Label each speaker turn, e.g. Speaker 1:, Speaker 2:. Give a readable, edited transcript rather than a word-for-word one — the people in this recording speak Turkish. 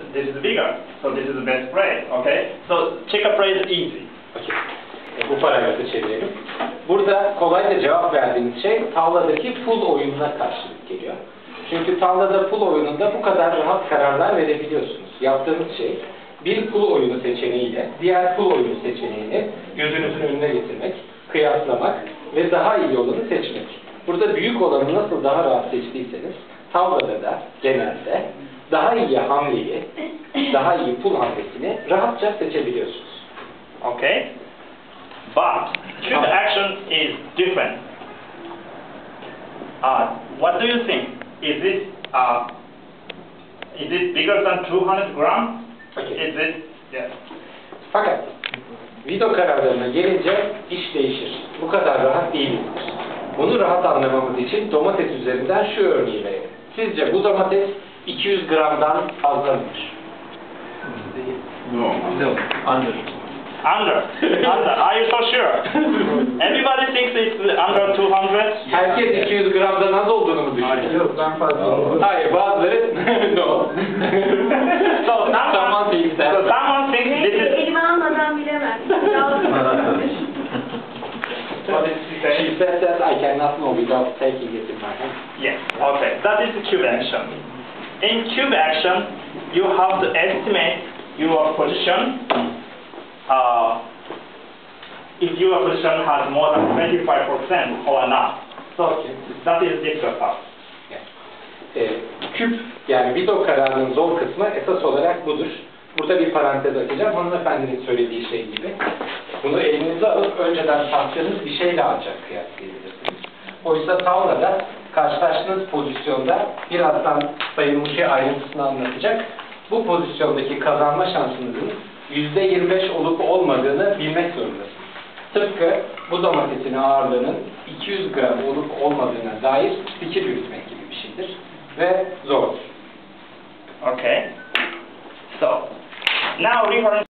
Speaker 1: this is bigger. So this is the best phrase. Okay. So check a phrase easy.
Speaker 2: Okay. Bu paragrafı çevirelim. Burada kolayca cevap verdiğiniz şey tavladaki pul oyununa karşılık geliyor. Çünkü tavlada pul oyununda bu kadar rahat kararlar verebiliyorsunuz. Yaptığınız şey bir pul oyunu seçeneğiyle diğer pul oyunu seçeneğini gözünüzün önüne getirmek, kıyaslamak ve daha iyi olanı seçmek. Burada büyük olanı nasıl daha rahat seçtiyseniz tavlada da genelde daha iyi hamleyi, daha iyi pul hamlesini rahatça seçebiliyorsunuz.
Speaker 1: Okay. But cube action is different. What do you think? Is it bigger than 200 grams?
Speaker 2: Okay.
Speaker 1: Is it? Yes.
Speaker 2: Fakat video kararlarına gelince iş değişir. Bu kadar rahat değildir. Bunu rahat anlamamız için domates üzerinden şu örneği verelim. Sizce bu domates 200 gramdan fazla mıdır?
Speaker 3: No. Under.
Speaker 1: Under. Are you so sure? Everybody thinks it's under 200.
Speaker 2: Herkes 200 gramdan az olduğunu mu düşünüyor?
Speaker 3: Yok, ben fazla.
Speaker 2: Hayır, bazıları no.
Speaker 1: So someone thinks this is.
Speaker 4: Elime almadan bilemem.
Speaker 1: What did she say?
Speaker 2: She said that I cannot know without taking it in my hand.
Speaker 1: Yes. Okay. That is the cube action. In cube action, you have to estimate your position. If your position has more than 25% or not. So that is difficult part.
Speaker 2: Küp, yani video kararının zor kısmı esas olarak budur. Burada bir parantez açacağım. Hanımefendinin söylediği şey gibi. Bunu elinize alıp önceden taktığınız bir şeyle ancak kıyaslayabilirsiniz. Oysa tavlada karşılaştığınız pozisyonda birazdan Sayın Muşi ayrıntısını anlatacak. Bu pozisyondaki kazanma şansınızın %25 olup olmadığını bilmek zorundasınız. Tıpkı bu domatesin ağırlığının 200 gram olup olmadığına dair fikir yürütmek gibi bir şeydir ve zordur.
Speaker 1: Okay. So now referring